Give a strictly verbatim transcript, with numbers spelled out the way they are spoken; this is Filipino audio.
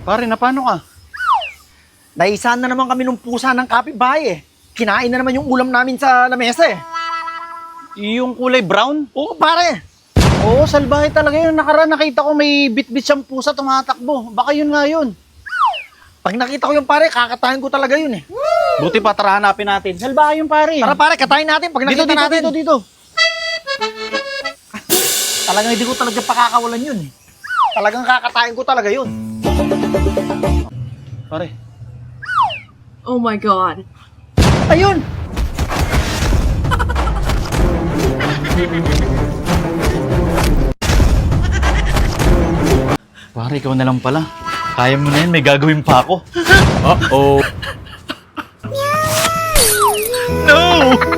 Pare, na paano ka? Naisahan na naman kami ng pusa ng kapitbahay eh. Kinain na naman yung ulam namin sa lamesa eh. Yung kulay brown? Oo pare. Oo, salbahe talaga yun. Nakaraan nakita ko may bit-bit siyang pusa tumatakbo. Baka yun nga yun. Pag nakita ko yung pare, kakatayin ko talaga yun eh. Buti pa, tara hanapin natin. Salbahe yung pare. Tara pare, katayin natin pag dito, nakita dito, natin. dito, dito. Talagang hindi ko talaga pakakawalan yun eh. Talagang kakatayin ko talaga yun. Pare. Oh my god. Ayun! Pare, ikaw na lang pala. Kaya mo na yan, may gagawin pa ako. Uh-oh. No!